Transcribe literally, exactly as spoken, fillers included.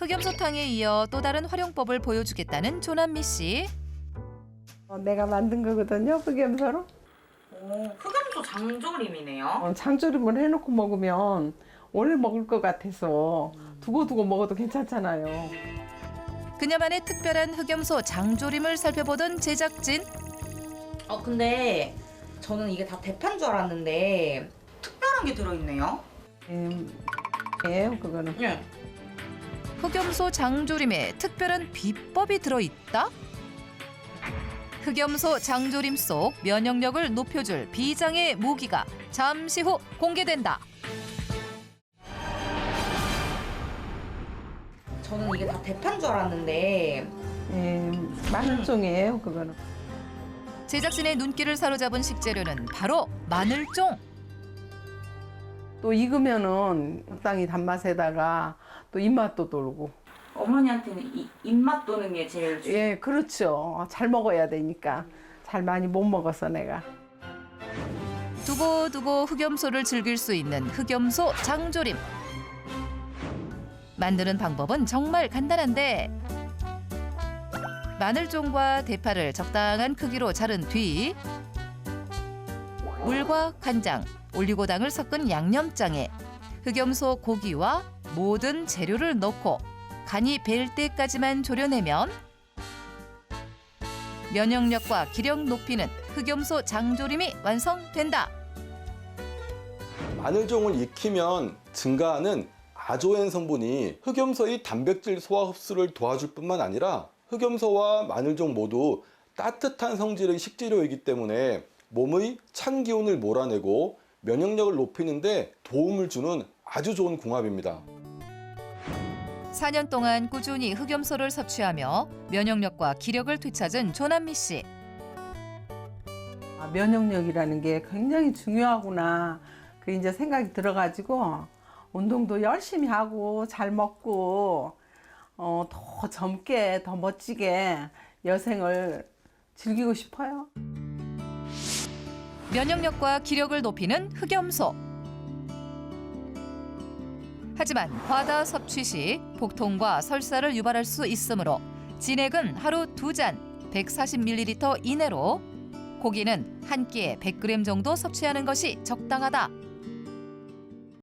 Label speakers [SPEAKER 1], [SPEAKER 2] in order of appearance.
[SPEAKER 1] 흑염소탕에 이어 또 다른 활용법을 보여주겠다는 조남미 씨.
[SPEAKER 2] 어, 내가 만든 거거든요, 흑염소로.
[SPEAKER 3] 오, 흑염소 장조림이네요.
[SPEAKER 2] 어, 장조림을 해놓고 먹으면 오래 먹을 것 같아서 두고두고 먹어도 괜찮잖아요.
[SPEAKER 1] 그녀만의 특별한 흑염소 장조림을 살펴보던 제작진.
[SPEAKER 3] 어, 근데 저는 이게 다 대파인 줄 알았는데 특별한 게 들어있네요.
[SPEAKER 2] 음, 예요, 그거는.
[SPEAKER 3] 네.
[SPEAKER 1] 흑염소 장조림에 특별한 비법이 들어있다? 흑염소 장조림 속 면역력을 높여줄 비장의 무기가 잠시 후 공개된다.
[SPEAKER 3] 저는 이게 다 대파인 줄 알았는데
[SPEAKER 2] 예, 마늘종이에요, 그거는.
[SPEAKER 1] 제작진의 눈길을 사로잡은 식재료는 바로 마늘종.
[SPEAKER 2] 또 익으면은 적당히 단맛에다가 또 입맛도 돌고.
[SPEAKER 3] 어머니한테는 이, 입맛 도는 게 제일 중요해요.
[SPEAKER 2] 예, 그렇죠. 잘 먹어야 되니까. 잘 많이 못 먹어서 내가.
[SPEAKER 1] 두고두고 흑염소를 즐길 수 있는 흑염소 장조림. 만드는 방법은 정말 간단한데 마늘종과 대파를 적당한 크기로 자른 뒤 물과 간장, 올리고당을 섞은 양념장에 흑염소 고기와 모든 재료를 넣고 간이 벨 때까지만 졸여내면 면역력과 기력 높이는 흑염소 장조림이 완성된다.
[SPEAKER 4] 마늘종을 익히면 증가하는 아조엔 성분이 흑염소의 단백질 소화 흡수를 도와줄 뿐만 아니라 흑염소와 마늘종 모두 따뜻한 성질의 식재료이기 때문에 몸의 찬 기운을 몰아내고 면역력을 높이는 데 도움을 주는 아주 좋은 궁합입니다.
[SPEAKER 1] 사 년 동안 꾸준히 흑염소를 섭취하며 면역력과 기력을 되찾은 조남미 씨.
[SPEAKER 2] 아, 면역력이라는 게 굉장히 중요하구나. 그 이제 생각이 들어가지고 운동도 열심히 하고 잘 먹고 어, 더 젊게 더 멋지게 여생을 즐기고 싶어요.
[SPEAKER 1] 면역력과 기력을 높이는 흑염소. 하지만 과다 섭취 시 복통과 설사를 유발할 수 있으므로 진액은 하루 두 잔 백사십 밀리리터 이내로 고기는 한 끼에 백 그램 정도 섭취하는 것이 적당하다.